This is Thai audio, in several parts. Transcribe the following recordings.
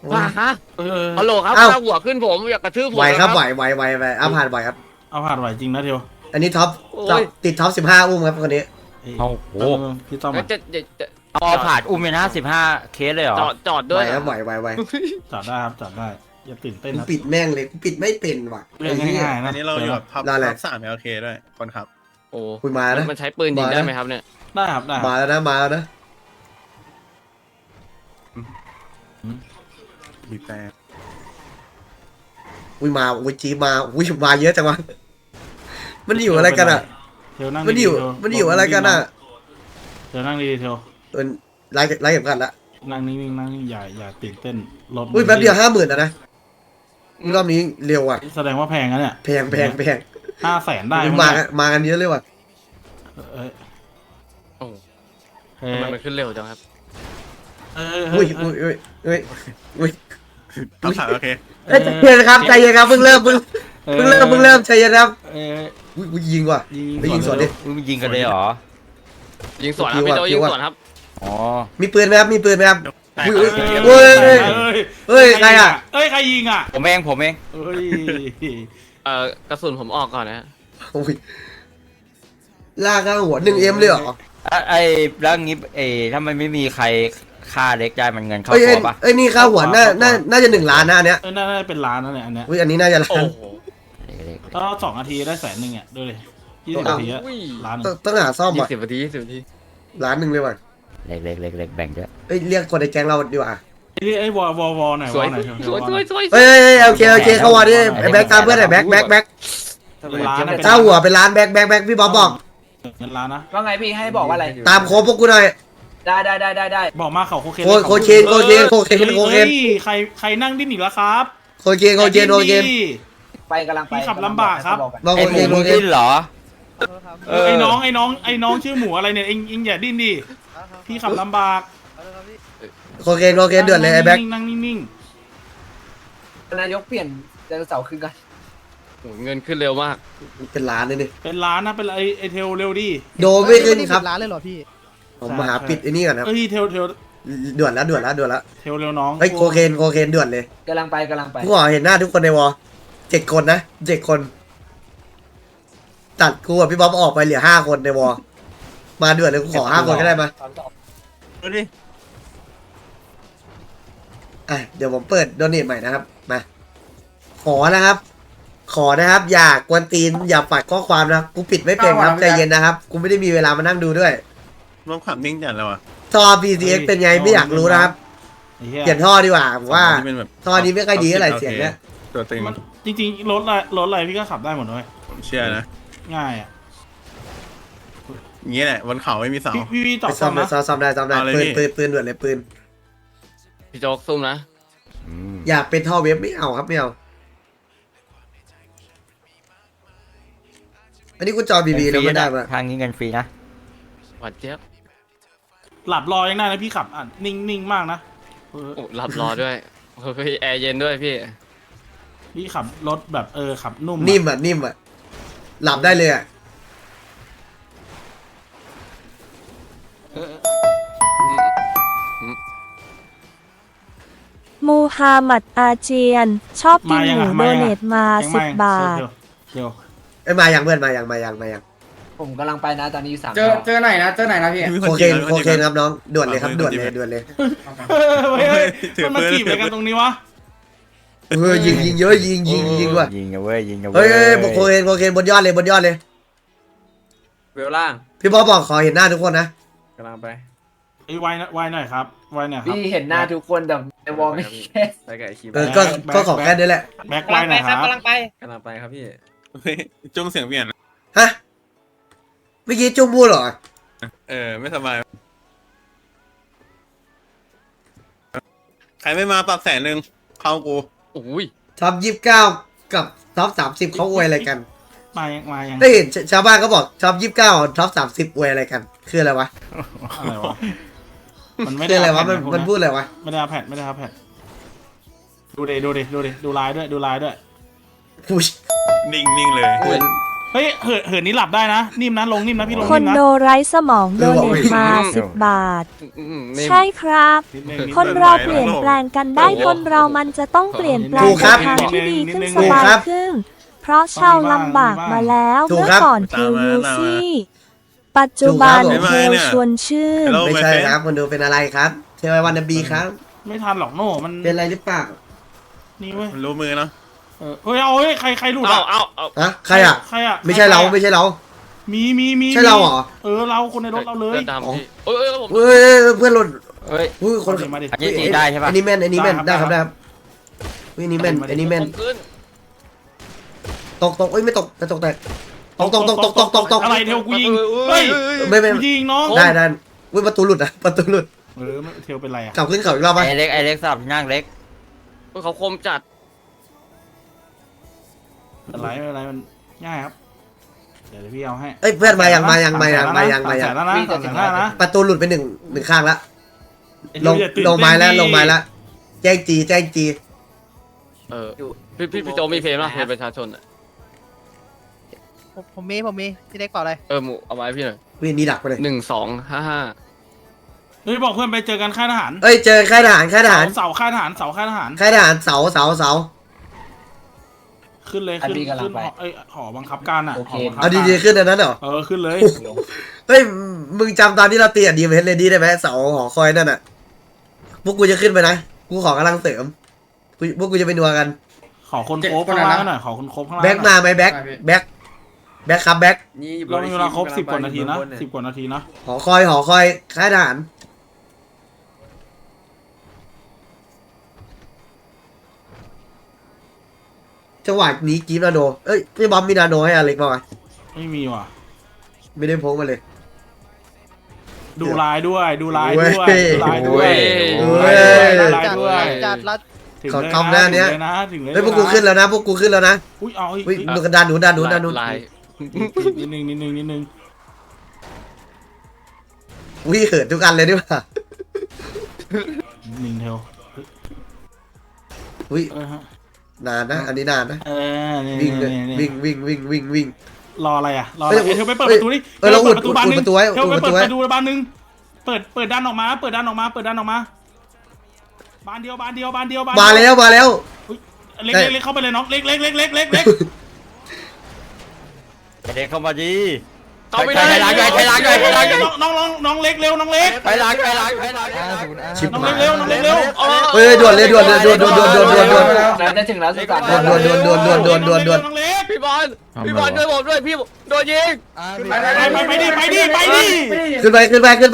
ว่าฮะฮัลโหลครับถ้าหัวขึ้นผมอยากกระทืบผมไหวครับไหวเอาผ่านไหวครับเอาผ่านไหวจริงนะเทียวอันนี้ท็อปติดท็อป15อุ้มครับคนนี้โอ้โหพี่ต้อมจะเอาผ่านอุ้มเลยนะ15 เคสเลยเหรอจอดไหด้ววยครับไหวจอดได้ครับจอดได้อย่าตื่นเต้นกูครับปิดแม่งเลยกูปิดไม่เป็นว่ะเรื่องง่ายๆอันะนนี้เราอยู่กับท็อปนั่นแหละ 3 LK ด้วยคนขับโอ้คุยมานะมันใช้ปืนยิงได้ไหมครับเนี่ยได้ครับได้มาแล้วนะบีบแต่อุ้ยมาอุ้ยจีมาอุ้ยมาเยอะจังวะมันอยู่อะไรกันอ่ะเทียวนั่งมันอยู่อะไรกันอ่ะเทียวนั่งดีเทียวไล่เก็บกันละนั่งนิ่งๆนั่งนิ่งอย่าตื่นเต้นรถอุ้ยแป๊บเดียว50,000นะรอบนี้เร็วอ่ะแสดงว่าแพงนะเนี่ยแพง 500,000ได้มากันเยอะเลยว่ะโอ้ทำไมมันขึ้นเร็วจังครับอุ้ยท็อป3 LK ใจเย็นครับใจเย็นครับเพิ่งเริ่มใจเย็นครับอุ้ยยิงว่ะไปยิงสวนดิมึงยิงกันเลยเหรอยิงสวนครับพี่โจยิงสวนครับอ๋อมีปืนไหมครับอุ้ยเฮ้ยใครอ่ะใครยิงอ่ะผมเองเฮ้ยกระสุนผมออกก่อนนะโอ้ยลากข้างหัว1Mเลยเหรอไอ้แล้วงี้ถ้ามันไม่มีใครฆ่าเล็กได้มันเงินเข้าเอ้ยตัวปะนี่ค่าหัวน่าจะ1 ล้านนะอันเนี้ยน่าจะเป็นล้านนั่นแหละอันเนี้ยอุ้ยอันนี้น่าจะล้าโอ้นโหถ้า2 นาทีได้100,000อ่ะดูเลย20 นาทีอะล้านหนึ่งต้องหาซ่อมอ่ะ 20 นาทีล้านหนึ่งเลยว่ะเล็กแบ่งด้วยเอ้ยเรียกคนในแก๊งเราดีกว่าไอ้วอหน่อยวสวยอหน่อยสวยเอ้ยโอเคเข้าวันนี้ไอ้แบ็คตามเพื่อนหน่อยแบ็คล้านนะเจ้าหัวเป็นล้านแบ็คพี่บ๊อบบอกเงินล้านนะว่าไงพี่ให้บอกว่าอะไรตามโค้ดพวกกูหน่อยได้บอกมาเขาโคเคนโคเคนใครนั่งดิ้นอีกแล้วครับโคเคนไปกำลังไปพี่ขับลำบากครับมาโคไอ้หเคนมูดิ้นเหรอไอ้น้องชื่อหมูอะไรเนี่ยเอ็งอย่าดิ้นดิพี่ขับลำบากโคเคนเดือดเลยไอ้แบ็คนั่งนิ่งนายกเปลี่ยนไดโนเสาร์ขึ้นกันเงินขึ้นเร็วมากเป็นล้านเลยนี่เป็นล้านนะเป็นไอเทลเร็วดิโดไม่ขึ้นครับร้านเลยเหรอพี่ผมมาหาปิดไอ้นี่ก่อนครับเอ้ยเทลเดือดแล้วเทลเร็วน้องเฮ้ยโคเคนเดือดเลยกำลังไปกูขอเห็นหน้าทุกคนในวอ7 คนนะ7 คนตัดกูกับพี่บ๊อบออกไปเหลือ5 คนในวอมาเดือดเลยกูขอ5 คนก็ได้มาดูดิเดี๋ยวผมเปิดโดเนทใหม่นะครับมาขอนะครับอย่ากวนตีนอย่าปัดข้อความนะกูปิดไม่เป็นครับใจเย็นนะครับกูไม่ได้มีเวลามานั่งดูด้วยรวมความนิ่งจัดแล้วอ่ะท่อ PCX เป็นไงไม่อยากรู้นะครับเปลี่ยนท่อดีกว่าผมว่าที่เป็นแบบท่อนี้ไม่ค่อยดีเท่าไหร่เสียงเนี้ยตัวตึงจริงๆรถอะไรพี่ก็ขับได้หมดเลยผมเชื่อนะง่ายอ่ะอย่างนี้แหละบนเขาไม่มีเสาพี่ต่อไปซ่อมนะซ่อมได้เอาเลยพี่ปืนด่วนเลยปืนพี่โจ๊กซุ่มนะอยากเป็นท่อเว็บไม่เอาครับไม่เอาอันนี้กูจอบีแล้วไม่ได้ปะทางนี้เงินฟรีนะหวานเจี๊ยบหลับรอยังได้นะพี่ขับอ่ะนิ่งมากนะโอ้หลับรอด้วยเฮ้ยแอร์เย็นด้วยพี่พี่ขับรถแบบขับนุ่มนิ่มอ่ะหลับได้เลยอ่ะมูฮัมหมัดอาเจียน ชอบกินหมูโดเนทมา10 บาทเดี๋ยวไอ้มายังเพื่อนมายังผมกำลังไปนะตอนนี้อยู่3 เจอไหนนะพี่มีโคจเคนริงะโคเคนครับน้องด่วนเลยครับด่วนเลยเฮ้ยมันมาจีบอะไรกันตรงนี้วะยิงเยอะยิงว่ะยิงกันเว้ยยิงกันเฮ้ยโคเคนบนยอดเลยเวลล่างพี่บ๊อบบอกขอเห็นหน้าทุกคนนะกำลังไปไอ้ไวหน่อยครับไวหน่อยครับพี่เห็นหน้าทุกคนแต่ในวอลไม่แค่ไปกับไอคิมก็ขอแค่นี้แหละแบ็คไวหน่อยครับกำลังไปครับพี่เฮ้ยจุ้งเสียงเปลี่ยนฮะเมื่อกี้จุ้มพูดเหรอไม่สบายใครไม่มาปรับ100,000เข้ากูโอ้ยท็อป29กับท็อป30เขาอวยอะไรกันมายังได้เห็นชาวบ้านเขาบอกท็อป29ท็อป30อวยอะไรกันคืออะไรวะอะไรวะมันไม่คืได้ออะไรวะมันพูดอะไรวะไม่ได้เอาแพทดูดิดูลายด้วยผู้นิ่งเลยเหมือนเฮ้ยเหินนี้หลับได้นะนิ่มนะลงนิ่มนะพี่ลงคนิ่นมนะโดไร้สมองโดเนทมา10 บาทนี่ใช่ครับนิดนึงคนเราเปลี่ยนแปลงกันได้ คนเรามันจะต้องเปลี่ยนแปลงถูกครับในทางที่ดีขึ้นถูสกบายครับขึ้น เพราะชาวลำบากมาแล้วถูกเมื่อครับก่อนคิวยูซี่ปัจจุบันถูกครับเทลชวนชื่น Hello ไม่ my ใช่ friend ครับคนดูเป็นอะไรครับเทววันนบีครับไม่ทันหรอกโน่มันเป็นอะไรหรือเปล่านี่เว้ยมันรู้มือเนาะเฮ้ยเอาเฮ้ยใครหลุดเอาอ่ะเอาฮะใครอ่ะใครอ่ะไม่ใช่เราไม่ใช่เรามีใช่เราเหรอเราคนในรถเราเลยเดินตามพี่เอ้ยผมเฮ้ยเพื่อนหล่นเฮ้ยอุ้ยคนมาดิอันนี้ตีได้ใช่ปะอันนี้แม่นอันนี้แม่นได้ได้คครัรับบ ได้ครับอุ้ยอันนี้แม่นอันนี้แม่นผมขึ้นตกเอ้ยไม่ตกแต่ตกแตกตกอะไรเทวกูยิงเฮ้ยไม่กูยิงน้องได้อุ้ยประตูหลุดอ่ะประตูหลุดไม่เทวเป็นไรอ่ะกลับขึ้นเขาอีกรอบไหมไอเล็กสลับที่นั่งเล็กเขาคมจัดอะไรไม่เป็นไรมันง่ายครับเดี๋ยวพี่เอาให้เอ้ยเพื่อนมายัง 300,000แล้วนะ300,000นะประตูหลุดไปหนึ่งข้างละลงอย่าตื่นลงไม้แล้วเต้นดิลงไม้แล้วแจ้งจีพี่โจมีเพลงป่ะเพลงประชาชนอ่ะผมมีพี่เล็กเปล่าอะไรหมูเอาไว้พี่หน่อยวิ่งนี่ดักไปเลย 1255 เฮ้ยบอกเพื่อนไปเจอกันค่ายทหารเอ้ยเจอค่ายทหารเสาค่ายทหารเสาค่ายทหารค่ายทหารเสาขึ้นเลยขึ้นหอบังคับการอ่ะเอาดีๆขึ้นอันนั้นเหรอขึ้นเลยเฮ้ยมึงจำตอนที่เราตีดีเวทเลยดีได้ไหมเสาหอคอยนั่นอ่ะพวกกูจะขึ้นไปนะกูขอกำลังเสริมพวกกูจะไปนัวกันขอคนโคบข้างล่างหน่อยขอคนโคบข้างล่างแบ็คมาไหมแบ็คครับแบ็คเรามีเวลาครบ10 กว่านาทีนะ10 กว่านาทีนะหอคอยค่ายทหารจังหวะนี้กีบนาโนเอ้ยพี่บอมมีนาโนให้อเล็กป่ะไม่มีว่ะไม่ได้พกมาเลยดูลายด้วยดูลายเว้ด้วย ยดูลายด้วยเว้ยดูลายด้วยจัดรัดถึงขอเลยคำหน้าเนี้ยถึงเลยนะถึงเลยเฮ้ยพวกกูขึ้นแล้วนะพวกกูขึ้นแล้วนะอุ้ยเอาอีกอุ้ยดูกันด้านนู้นลายนิดนึงอุ้ยเขินทุกอันเลยดีกว่านิงเทลอุ้ยฮะนานนะอันนี้นานนะนี่วิ่งเลยนี่วิ่งรออะไรอ่ะรอเฮ้ยเทลไปเปิดประตูนี่เราอุดประตูบานนึงประตูไว้เทลไปอุดประตูเปิดไว้ประตูบานนึงเปิดด้านออกมาเปิดด้านออกมาบานเดียวมาแล้วเล็กเข้าไปเลยน้องเล็กไอเล็กเข้ามาดีเอาไม่ได้ไปล้างน้องเล็กเร็วน้องเล็กไปล้างชิบน้องหาเล็ยกเร็วเฮ้ยด่วนเลยด่วนจะถึงแล้วสุสานด่วนน้องเล็กพี่บอลช่วยผมด้วยพี่โดนยิงไปดิขึ้นไป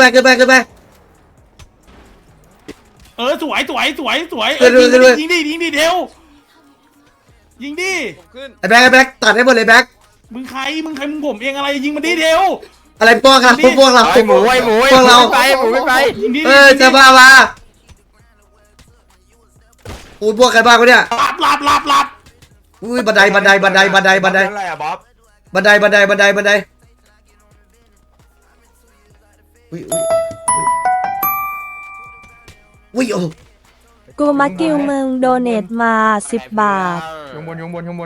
สวยยิงดิเทลยิงดิขึ้นไอ้แบ็คตัดให้หมดเลยแบ็คมึงใครมึงผมเองอะไรยิงมันดิเทลอะไรพวกเราไอหมูไม่ไปยิงดิจะบ้ามาอูพวกใครบ้างวะเนี่ยหลับอุ้ยบันไดอุ้ยโอ้กูมากิวมึงโดเนทมา10 บาทข้างบน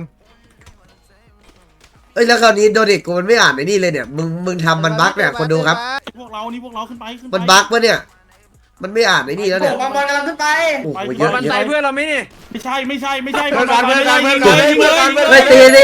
เอ้ยแล้วคราวนี้โดเด็กกูมันไม่อ่านไอ้นี่เลยเนี่ยมึงทำมันบั๊กเนี่ยคนดูครับพวกเราขึ้นไปมันบั๊กปะเนี่ยมันไม่อ่านไอ้นี่แล้วเนี่ยบอลกำลังขึ้นไปโอ้โหเยอะมันใส่เพื่อนเราไหมนี่ไม่ใช่เฮ้ยตีดิ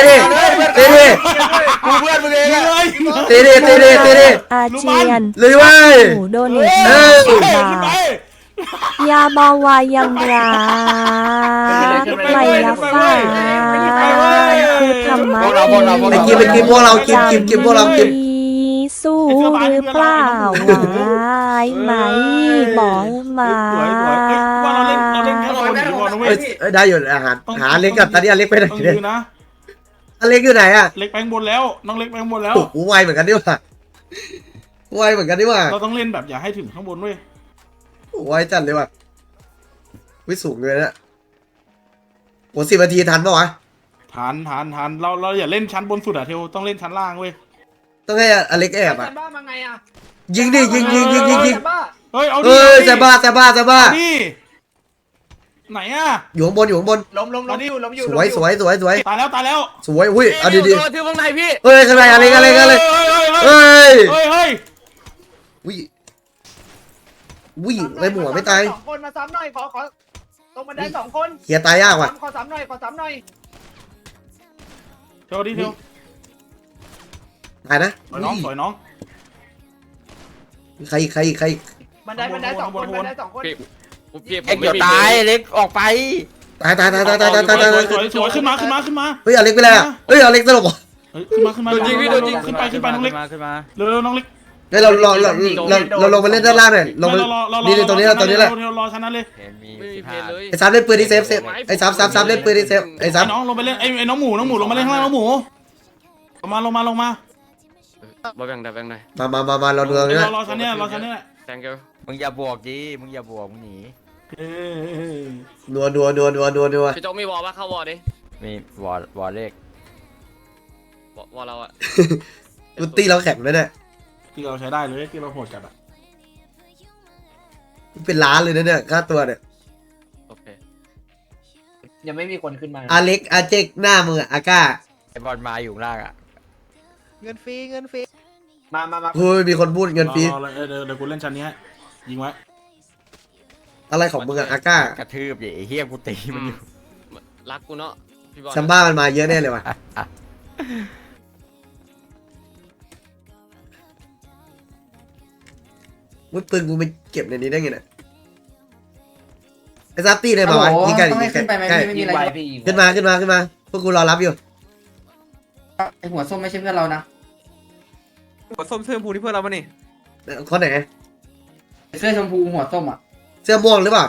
กูเพื่อนมึงเองอะตีดิอาเจียนเลยเว้ยหมูโดเนทเอมาอ 10 บาทยาเบาวายังรักไม่ละฟ้าคือธรรมะไปกินพวกเรากินพวกเรากินสู้หรือเปล่าวายไหมบอกมาว่าเราเล่นแค่คนเดียวนะเว้ยเอ้ยได้อยู่อาหารหาเล็กกับตอนนี้อเล็กไปไหนต้องเนี่ยยืนนะอเล็กอยู่ไหนอ่ะเล็กแปลงบนแล้วน้องเล็กแปลงบนแล้วโอ้โหไวเหมือนกันดิว่ะไวเหมือนกันดิว่ะเราต้องเล่นแบบอย่าให้ถึงข้างบนเว้ยไวจัดเลยว่ะวิสูงเลยนะโอ้10 นาทีทันปะวะทันเราอย่าเล่นชั้นบนสุดอะเทลต้องเล่นชั้นล่างเว้ยต้องให้อเล็กแอบอ่ะบ้ามาไงอ่ะยิงดิยิงเฮ้ยเอาเอดิอจะบ้าดิไหนอ่ะอยู่ข้างบนอยู่ข้างบนล้มอยู่สวยสวยสวยสวยตายแล้วตายแล้วสวยอุ้ยเอาดีโดนที่ข้างในพี่ๆเฮ้ยข้างในอะไรกันเลยกันเลยเฮ้ยเฮ้ยเฮ้ยอุ้ยอุ้ยไอ้หมูไม่ตายสองคนมาซ้ำหน่อยขอตรงบันไดสองคนเฮียตายยากว่ะขอซ้ำหน่อยเดี๋ยวดิเดี๋ยวตายนะสวยน้องสวยน้องใครอีกใครอีกใครอีกบันไดสองคนบันไดสองคนพี่ผเอ็กมเดี๋ไม่ยวมีตายเล็กออกไปตายสวยสวยขึ้นมาเฮ้ยเอาเล็กไปแล้วเฮ้ยเอาเล็กตลบเหรอเฮ้ยขึ้นมาขึ้นไปน้องเล็กขึ้นมาเร็วน้องเล็กเฮ้ยเราลงมาเล่นด้านล่างหน่อยลงมานี่ตรงนี้แหละตรงนี้แหละรอชนะเลยเห็นมีไม่มีเพลเลยไอ้ซับเล่นปืนที่เซฟไอ้ซับเล่นปืนที่เซฟไอ้ซับน้องลงไปเล่นไอ้น้องหมูลงมาเล่นข้างล่างน้องหมูลงมาบ่แบ่งได้แบ่งได้มาเราดูตรงนี้รอชั้นนี้ thank you มึงอย่าบวกดิมึงอย่าบวกมึงหนีนัวพี่โจ๊กมีวอลป่ะเข้าวอลดิมีวอลเลขวอลเราอะกูตีเราแข็งเลยเนี่ยที่เราใช้ได้เลยที่เราโหดจัดอ่ะเป็นล้านเลยนะเนี่ยค่าตัวเนี่ยโอเคยังไม่มีคนขึ้นมาอาเล็กอาเจกหน้ามืออาก้าไอบอลมาอยู่ข้างล่างอ่ะเงินฟรีมาเฮ้ยมีคนพูดเงินฟรีเดี๋ยวกูเล่นชั้นนี้ยิงไว้อะไรของมึงอะอาก้ากระทืบดิไอ้เฮียกูตีมันอยู่รักกูเนาะพี่บอลซัมบ้ามันมาเยอะแน่เลยว่ะวุ้ยปืนกูไปเก็บในนี้ได้ไงเนี่ยไอ้ซับตี้เลยมาวะยิงกันยิงกันใกล้ยิงไว้พี่ยิงขึ้นมาพวกกูรอรับอยู่ไอหัวส้มไม่ใช่เพื่อนเรานะหัวส้มเสื้อผูนี่เพื่อนเราปะนี่คนไหนเสื้อชมพูหัวส้มอ่ะเสื้อม่วงหรือเปล่า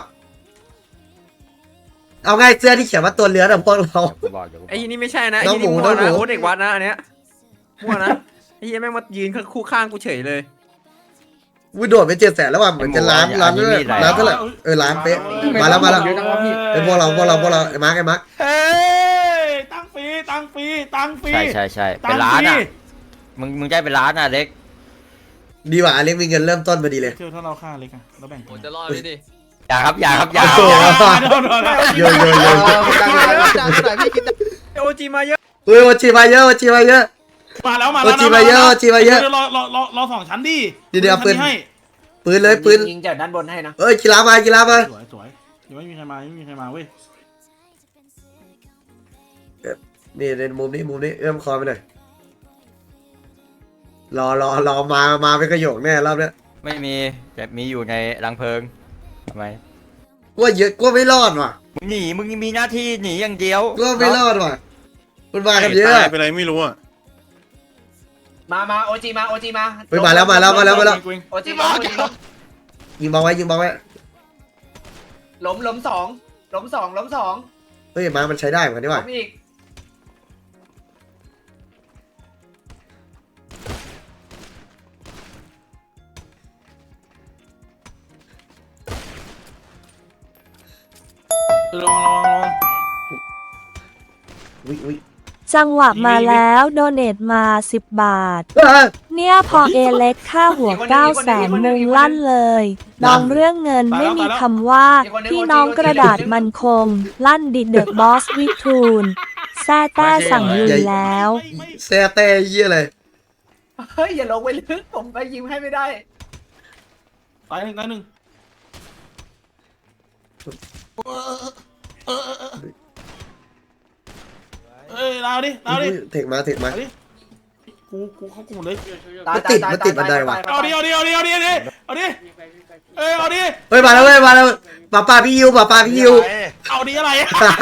เอาง่ายเสื้อที่เขียนว่าตัวเรือนะพวกเราเดี๋ยวกูบอกเดี๋ยวกูบไอ้อกยี่นี่ไม่ใช่นะไอ้น้องยี่หมูนี่มั่วน้องหมูนะโอ้เด็กวัดนะอันเนี้ยมั่วนะไอ้ยี่แม่งมายืนคู่ข้างกูเฉยเลยวิโดดไป700,000แล้วว่ะเหมือนจะล้านเท่าไหร่ล้านเป๊ะมาแล้วเยอะจังวะพี่เป็นพวกเราไอ้มาร์คเฮ้ยตั้งฟรีใช่เป็นร้านอ่ะมึงได้เป็นร้านอ่ะเล็กดีว่ะอเล็กมีเงินเริ่มต้นพอดีเลยเที่ยวถ้าเราฆ่าเล็กอะเราแบ่งโอ้จะรอดพี่ดิอย่าครับโยโอจีมาเยอะเฮ้ยวัชีมาเยอะมาแล้ววัชีมาเยอะรอสองชั้นดิเดี๋ยวปืนให้ปืนเลยปืนยิงจากด้านบนให้นะเอ้ยกีฬามาสวยยังไม่มีใครมาเว้ยนี่ในมุมนี้เอื้อมคอไปหน่อยรอมาเป็นกระโยกแน่รอบเนี้ยไม่มีแต่มีอยู่ในรังเพลิงทำไมกูว่าเยอะกูว่าไม่รอดว่ะมึงหนีมึงมีหน้าที่หนีอย่างเดียวกูว่าไม่รอดว่ะมันมากันเยอะตายไปอะไรไม่รู้อ่ะมาโอจีมาไปมาแล้วโอจีมายิงบอลไว้ล้มสองเฮ้ยมามันใช้ได้เหมือนกันนี่ล้ว่ะมอีกลองอุ้ยจังหวะมาแล้วโดเนทมา10 บาท เนี่ยพอเอเล็กค่าหัว900,000มุงลั่นเลยน้องเรื่องเงินไม่มีคำว่า พี่น้องกระดาษมันคง ลั่นดิเดอะบอสวิทูลแซ่แต้สั่งลุยแล้วแซ่เต้เยี่ยเลยเฮ้ยอย่าลงไปลึกผมไปยิงให้ไม่ได้ตายหนึ่งเอ้ยเราดิเทคมากูเข้ากลุ่มเลยมันติดบันไดว่ะเอาดิเอ้ยเอาดิเฮ้ยมาแล้วป้าพี่ยิวเอาดิอะไร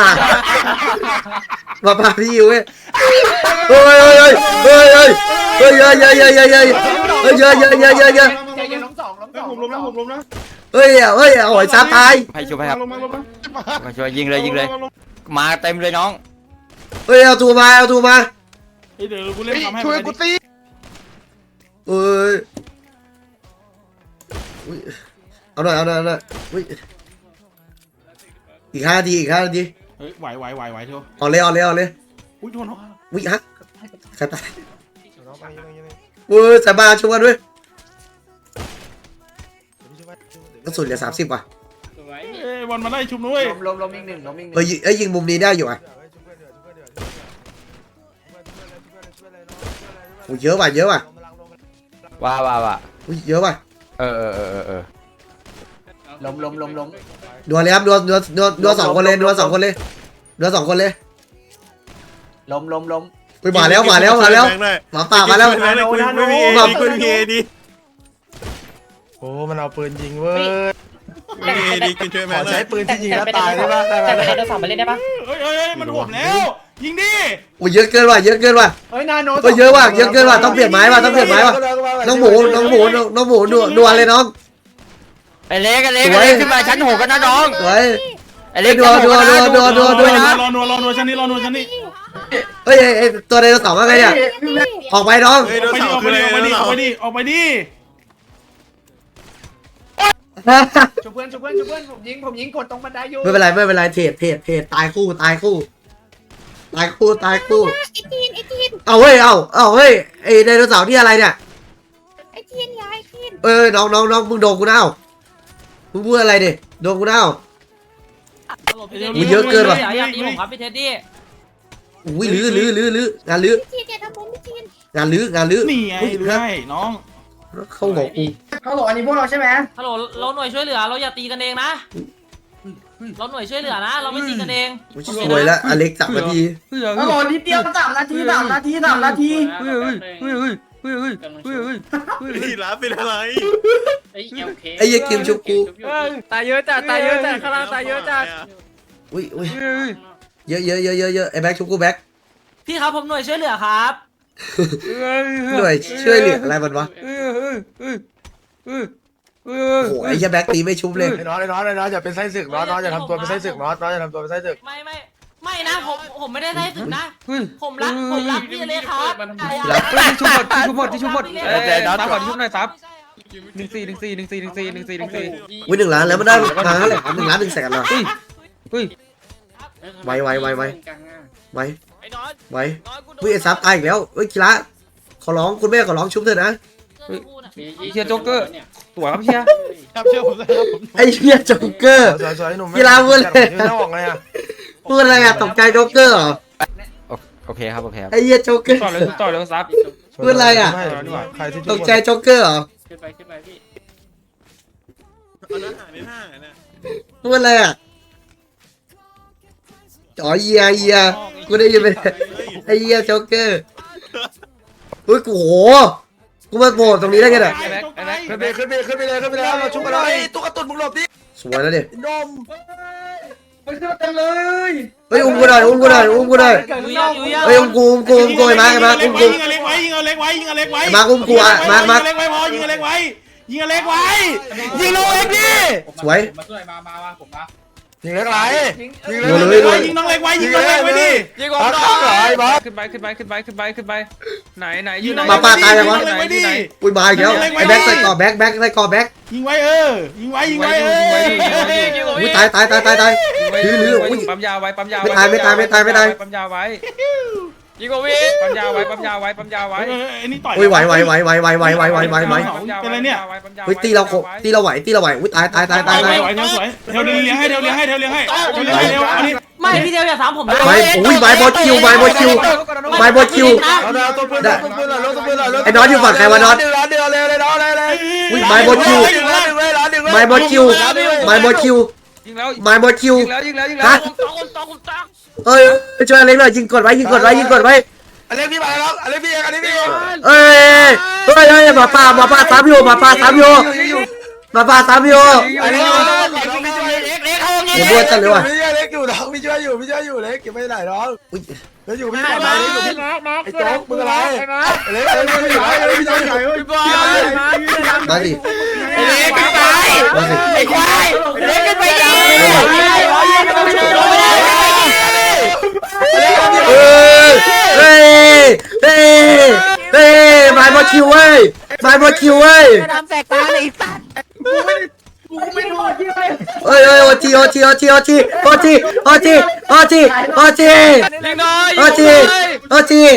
ป้าพี่ยิวเว้ยเฮ้ยเยอะใจเย็นล้มสองผมล้มนะเฮ้ยโอ้ยซับตายให้ช่วยครับมาช่วยยิงเลยมาเต็มเลยน้องเฮ้ยเอาตูมาเดี๋ยวกูเล่นทำให้ช่วยกูตีเอ้ยเอาหน่อยอุ้ยอีก5 นาทีเฮ้ยไหวเถอะเอาเลยอุ้ยโดนอุ้ยฮะใครตายเว้ยสบายช่วยกันด้วยกระสุนเหลือ30ว่ะเอ้ยบอลมาไล่ชุบด้วยล้มอีกหนึ่งล้มอีกหนึ่งเอ้ยยิงมุมนี้ได้อยู่อ่ะโอ้เยอะว่ะเยอะว่ะว่าอุ้ยเยอะว่ะเออล้มนัวเลยครับนัวสองคนเลยนัวสองคนเลยนัวสองคนเลยล้มไปมาแล้วหมาป่ามาแล้วไม่มีเอดีคุณมีเอดีโอ้มันเอาปืนยิงเว้ยไม่มีเอดีคุณช่วยแม่ขอหน่ใช้อยปืนที่ยิงแล้วตายได้ปะได้แต่ไหมไปเดินสองมาเล่นได้ปะเฮ้ยมันห่วงแล้วยิงดิโอ้เยอะเกินว่ะเยอะเกินว่ะเฮ้ยนาโนเยอะว่ะเยอะเกินว่ะต้องเปลี่ยนไม้ว่ะต้องเปลี่ยนไม้ว่ะน้องหมูนัวเลยน้องไอ้เล็กสวยขึ้นมาชั้น6กันนะน้องสวยไอ้เล็กนัวชั้น6กันนะนัวรอนัวชั้นนี้รอนัวชั้นนี้เฮ้ยตัวไดโนเสาร์ว่าไงเนี่ยออกไปน้องเฮ้ยโดนไปเสาดิคือเลยออกไปดิโดนออกเสาไปดิออกไปดิชุบเพื่อนผมยิงกดตรงบันไดอยู่ไม่เป็นไรเทรดตายคู่เอาเฮ้ยเอาเฮ้ยไอไดโนเสาร์ที่อะไรเนี่ยไอ้ทีนยายทีนน้องมึงโดนกูนะมึงพูดอะไรดิโดนกูนะ เยอะเกินว่ะอยากตีผมครับพี่เท็ดดี้อุ้ยลื้องานลื้อพี่ทีนอย่าทำผมพี่ทีนงานลื้อนี่ไงได้น้องเข้าหัวกูฮัลโหลอันนี้พวกเราใช่ไหมฮัลโหลเราหน่วยช่วยเหลือเราอย่าตีกันเองนะเราหน่วยช่วยเหลือนะ เราไม่ตีกันเองสวยแล้วอเล็ก3 นาทีฮัลโหลนิดเดียว3 นาทีพี่รับเป็นอะไรไอ้เหี้ยกิมชุบกูตายเยอะจัดข้างล่างตายเยอะจัดอุ้ยเยอะไอ้แบ็คชุบกูแบ็คพี่ครับผมหน่วยช่วยเหลือครับหน่วยช่วยเหลืออะไรมันวะโอ้โหไอ้เหี้ยแบ็คตีไม่ชุบเลยไอ้น้องอย่าเป็นไส้ศึกน้องอย่าทำตัวเป็นไส้ศึกน้องอย่าทำตัวเป็นไส้ศึกไม่นะผมไม่ได้ได้ถึงนะผมรักพี่เลยครับชุบหมดเดี๋ยวซับก่อนชุบหน่อยซับ14 อุ้ย1 ล้านแล้วมันได้มาเท่าไหร่1 ล้าน1 แสนเหรอไวไวอุ้ยไอ้ซับตายอีกแล้วเฮ้ยกีฬาขอร้องคุณแม่ขอร้องชุบเถอะนะเชียร์โจ๊กเกอร์สวยครับเชียร์ไอ้เหี้ยโจ๊กเกอร์สวยๆหนุ่มกีฬาพูดเลยยืนหน้าออกไงอ่ะพูดอะไรอะตกใจโจ๊กเกอร์เหรอโอเคครับไอ้เหี้ยโจ๊กเกอร์ต่อเลยซับพูดอะไรอะใครที่ตกใจโจ๊กเกอร์เหรอเอาหน้าหาในหน้าน่ะพูดอะไรอะอ๋อเยียกูได้ยินไปไอ้เหี้ยโจ๊กเกอร์อุ้ยกูโหกูมาโผล่ตรงนี้ได้ไงเนี่ยขึ้นไปเลยเราชุบมาเลยตุ๊กตุ่นมึงหลบดิสวยแล้วดินมมันขึ้นมาเต็มเลยเฮ้ยอุ้มกูหน่อยเฮ้ยอุ้มกูไอ้มาอุ้มกูยิงอเล็กไว้ยิงอเล็กไว้ไอ้มาอุ้มกูอ่ะมายิงอเล็กไว้พอยิงอเล็กไว้ยิงอเล็กไว้ยิงโลเอ็กดิสวยยิงเล็กไรยิงโดนเลยเลยยิงน้องเล็กไว้ยิงน้องเล็กไว้ดิยิงบอสข้างไหนบอสขึ้นไปไหนอยู่ไหนมาป้าตายยังวะยิงไว้ดิอุ้ยมาอีกแล้วไอ้แบ็คใส่ก่อแบ็คใส่ก่อแบ็คยิงไว้ยิงไว้อุ้ยตายลื้ออุ้ยปั๊มยาไว้ไม่ตายปั๊มยาไว้ยิงโอวิปั๊มยาไว้ไอ้นี่ต่อยอุ้ยไหวเป็นไรเนี่ยเฮ้ยตีเราไหวอุ้ยตายไหวเทวสวยเทวเลี้ยงให้อันนี้ไม่พี่เดียวอย่าถามผมนะไม้อุ้ยไม้บอลคิวเอาตัวปืนไอ้น็อตอยู่ฝั่งใครวะน็อตเดือดเลยน็อตเลยอุ้ยไม้บอลคิวยิงแล้วฮะเอ้ยไปช่วยอเล็กหน่อยยิงกดไว้อเล็กพี่มาแล้วอเล็กพี่เอ้ยหมาป่าตามอยู่หมาป่าตามอยู่อเล็กเดี๋ยวบัวจัดเลยว่ะเล็กอยู่น้องพี่ช่วยอยู่เล็กเก็บไม่ได้น้องแล้วอยู่พี่ปลอดภัยอยู่พี่ไอ้โจ๊กมึงอะไรเล็กพี่ช่วยอยู่พี่บอลมาสิเล็กไปมาสิไอ้ควายเล็กกันไปดิเฮ้ยไม้บอลคิวเว้ยทำแตกตาในอีกสัตว์เอ้ยโอทียิงหน่อยยิง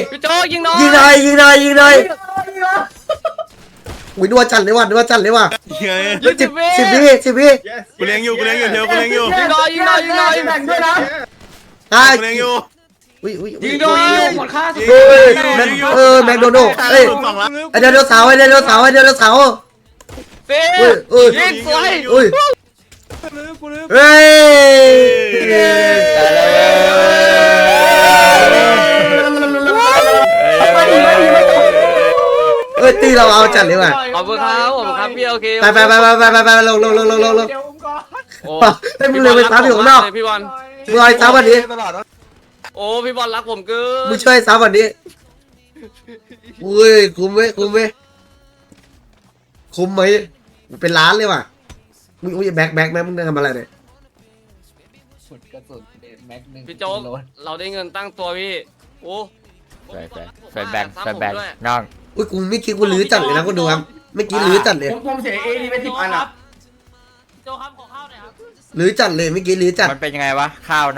หน่อยอุ้ยนัวจัดเลยว่ะไง 10 วิกูเลี้ยงอยู่เดี๋ยวกูเลี้ยงอยู่ยิงหน่อยยิงหน่อยยิงหน่อยแบ่งด้วยนะอ่ะกูเลี้ยงอยู่อุ้ยยิงหน่อยหมดค่าสุดเฮ้ยแมคโดนัลด์เอ้ยสองล้านไอเดโนเสาร์เฟ้อุ้ยยิงสวยอุ้ยเฮ้ยเอ้ยตีเราเอาจัดเลยว่ะขอบคุณครับพี่โอเคไปลงเดี๋ยวอุ้มก่อนโอ้ให้มึงเลยไปซ้ำอยู่ข้างนอกพี่บอลมึงเอาไอ้ซ้ำวันนี้ตลอดนะโอ้พี่บอลรักผมเกินมึงช่วยซ้ำวันนี้อุ้ยคุ้มไหมคุ้มไหมเป็นล้านเลยว่ะอุ้ยแบ็คมึงทำอะไรเนี่ยสุดกระสุนแม็กหนึ่งพี่โจ๊กเราได้เงินตั้งตัวพี่โอ้ใส่แบงน้องอุ้ยกูไม่คิดกูลื้อจัดเลยนะคุณดูครับไม่คิดลื้อจัดเลยผมเสียเอดีไป10 อันอ่ะโจ๊กครับขอข้าวหน่อยครับลื้อจัดเลยเมื่อกี้ลื้อจัดมันเป็นยังไงวะข้าว